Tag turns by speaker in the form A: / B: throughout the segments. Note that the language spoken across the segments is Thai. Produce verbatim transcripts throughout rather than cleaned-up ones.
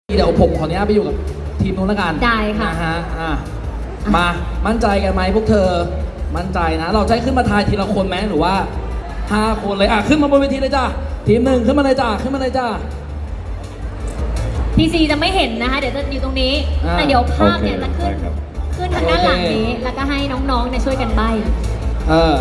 A: เดี๋ยวผมขออนุญาตไปอยู่กับทีมนู้นละกัน
B: ได้ค่ะ
A: นะฮะอ่ะมามั่นใจกันไหมพวกเธอมั่นใจนะ เราจะให้ขึ้นมาทายทีละคนไหมหรือว่าห้าคนเลยอ่ะขึ้นมาบนเวทีเลยจ้าทีมหนึ่งขึ้นมาเลยจ้าขึ้นมาเลยจ้า
B: พีซีจะไม่เห็นนะคะ เดี๋ยวจะอยู่ตรงนี้
A: อ่า
B: แต่เดี๋ยวภาพเนี่ย
C: โอ
B: จะ
C: เค
B: ขึ้น
C: ได้ครับ
B: ขึ้นทางด้านหลังนี้ แล้วก็ให้น้องๆเนี่ยช่วยกันใบ้
A: เออ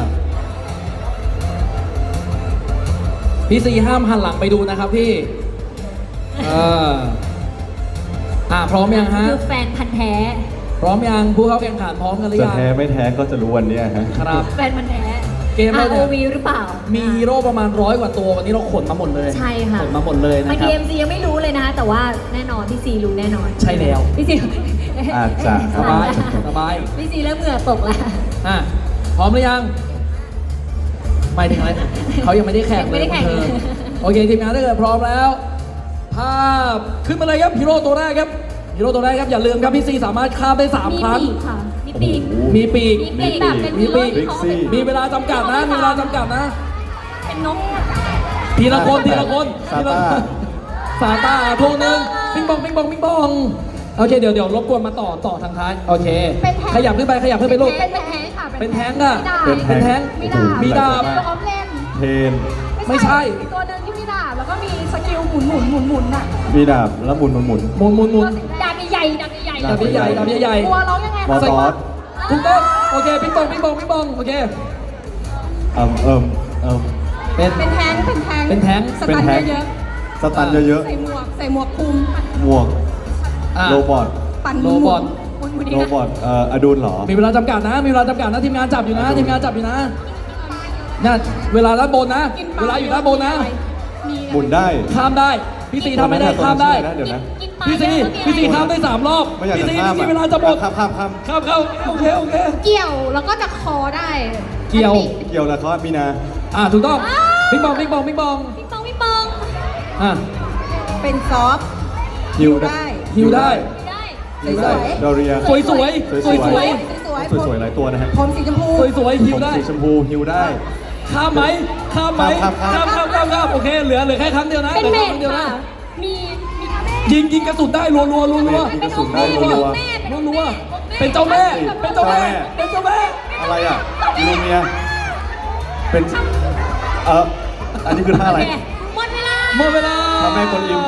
A: พี่ซีห้ามหันหลังไปดูนะครับพี่เอออ่ะพร้อมยังฮะ
B: คือแฟนพันธ์แท้
A: พร้อมยังผู้เข้าแข่งขันพร้อมกันหรือ
C: จะ
A: ยัง
C: แท้ไม่แท้ก็จะรู้วันเนี้ยฮะ
A: ครับ
B: แฟนพันธ์แท้
A: เกมเราเนี่ย
B: อาร์ โอ วี หรือเปล่า
A: มีฮีโร่ประมาณร้อยกว่าตัววันนี้เราขนมาหมดเลย
B: ใช่ค่ะ
A: ขนมาหมดเลยนะ
B: บาง
A: ครั
B: ที
A: บ
B: เอ็มซียังไม่รู้เลยนะคะ แต่ว่าแน่นอนพี่ซีรู้แน่นอน
A: ใช่แล้ว
B: พี่ซี
C: อาจจะ
A: สบายสบาย
B: พี่ซีเริ่มเหงื่อตกแล้ว
A: อ่ะพร้อมหรือยังหมายถึงอะไรเขายังไม่ได้แข่ง
B: ยังไม่ได้แข่ง
A: เธอโอเคทีมงานถ้าเกิดพร้อมแล้ว ภาพขึ้นมาเลยครับฮีโร่ตัวแรกครับฮีโร่ตัวแรกครับอย่าลืมครับพี่ซีสามารถข้ามได้สาม
B: มี
A: ครั้ง
B: ปีกค่ะ มีปีก
C: โอ้โห
A: มีปีก
B: มีปีกแบบเป็น
A: มีปีก
B: ฮีโร่ที่เขาเป็น
A: มีเวลาจำกัดนะมีเวลาจำกัดนะ
B: เป็นนก
A: ทีละคนทีละคน
C: ซาต้า
A: ซาต้าพวงหนึ่งปิงปองปิงปองปิงปองโอเคเดี๋ยวเดี๋ยวรบกวนมาต่อต่อทางท้ายโอเค
D: เป็นแท้ง
A: ขยับขึ้นไปขยับขึ้นไปลูก
D: เป็นแท้งค่ะ
A: เป็นแท้งอะ
D: มีดาบ
A: เป็นแท้ง
D: มีดาบ
A: มีดาบ
D: ตัวออฟเลน
C: เทน
A: ไม่ใช่
D: มีตัวหนึ่งที่มีดาบแล้วก็มีสกิลหมุนหมุนหมุนหมุนอ่ะ
C: มีดาบแล้วหมุนหมุนหมุน
A: หมุนหมุนหมุน
B: ดาบใหญ่ๆดาบใหญ่ๆ
A: ดาบใหญ่ๆดาบใหญ่
D: ตัวร้องยังไง
C: มอ
D: คะ
C: ตอส
A: ๆถูกต้องโอเคปิงปองปิงปองปิงปองโอเค
C: เอิ่มเอิ่มเอิ่ม
A: เป็น
D: เป็นแท้งเป็นแท้ง
A: เป็นแท้ง
D: ส
C: เป็น
D: ตัน
C: แท้ง
D: เยอะ
C: สตันเยอะ
D: ๆใส่หมวกใส่หมวกคลุม
C: ๆหมวก
A: อ่ะ
C: โรบอท
D: ปั่นห
A: โร
D: มุน
A: บอท
D: หมุนหมุน
C: โรบอทเอ่ออดูลเหรอ
A: มีเวลาจำกัดนะ มีเวลาจำกัดนะทีมงานจับอยู่นะ
C: ครับ
A: ทีมงานจับอยู่นะเนี่ยเวลาด้านบนนะ
D: กินป
A: เวลาอยู่ด้านบนนะ
D: มี
C: หมุนได้
A: ข้ามได้พี่ซีทำไม่ได้ข้ามได้
C: ตัวนั้นชื่ออะไรนะเดี๋ยวนะ
B: กินปลา
A: พี่ซี
B: เยอะก็มี
A: พี่ซีข้ามได้สามรอบ
C: ไม่อยาก
A: พี่
C: จะ
A: ซี
C: ข้าม
A: พี่ซี
C: อะ
A: เวลาจะหมด
C: ข้ามข้ามข้าม
A: ข้ามเข้าโอเคโอเค
D: เกี่ยวแล้วก็จะคอได้
A: เกี่ยว
D: อันนี้
C: เกี่ยวแล้วเขามีนา
A: อ่าถูกต้องปิงปองปิงปองปิงปอง
B: พี่ปองพี่ปอง
A: อ่ะ
D: เป็นซอฟต์
C: ฮิวได้
A: ฮิวได้
B: ได้
C: ฮิวได้ดอเรีย
A: สวยสวยสวยสวย
D: สวย
C: สวยๆหลายตัวนะฮะ
D: ผมสีชมพู
A: สวยสวยฮิ
C: ผ
A: ว
C: ม
A: ได้
C: สีชมพูฮิวได้
A: ข้ามไหมข้ามไหม
C: ข้ามข้าม
A: ข้ามข้ามข้ามข้ามโอเคเหลือเหลือแค่ครั้งเดียวนะ
B: เป็น
A: หลื
B: เม
A: อแค่ครั้งเดียว
B: ดค่ะ
A: นะ
B: มีมี
A: ยิงยิงกระสุนได้รัวรัวรัวรัว
C: ยิงกระสุนได้
A: รัว
C: รัว
A: รัวรัวเป็นเจ้าแม่เป็นเจ้าแม่เป็นเจ้าแม่
C: อะไรอ่ะลูเมีย เป็น เอออันนี้คือท่าอะไร
B: โอเคหมดเวลา
A: หมดเวลา
C: พระแม่กวนอิม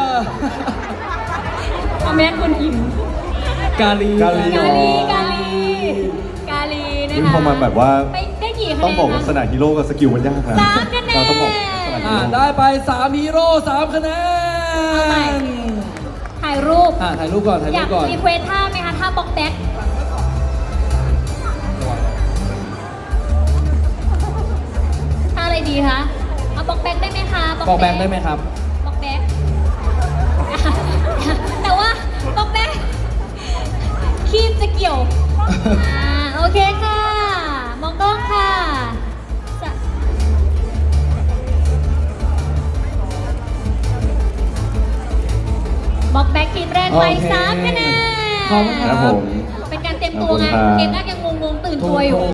B: พระแม่คนอิ่ม
A: กาลี
C: กาลี
B: กาลีกาลีกาลีนะ
C: อุ๊ย
B: คะ
C: พอมันแบบว่า
B: ไปได้กี่คะแนน
C: ต้องบอกลักษณะฮีโร่กับสกิลมันยากนะ
B: สามคะแนน
C: เราต้องบอกลักษณะฮี
A: อ่า
C: โร่
A: ได้ไปสามฮีโร่สามคะแน
B: เอาใหม่
A: น
B: ถ่ายรูป
A: อ่าถ่ายรูปก่อนถ่าย
B: อ
A: รู
B: ยา
A: ป
B: ก
A: ก่อน
B: รีเควสท่าไหมคะท่าบ็อกแบ็กท่าอะไรดีคะเอาบ็อกแบ็กได้ไหมคะ
A: บอกแบงค์ได้ไหมครับ
B: บ็อกแบ็กแต่ว่าบ็อกแบ็กคีบจะเกี่ยวอ่าโอเคค่ะ มองกล้องค่ะสะบ็อกแบ็กทีมแรกไป
A: โอเค
B: สามคะแนน
A: ขอบคุณ
C: ครับผม
B: เป็นการเตรียมตัวไง
C: ขอบคุณครับ
B: เกมแรกยังงงๆตื่น
A: ถู
B: ตัว
A: ก
B: อยู่
A: ถูก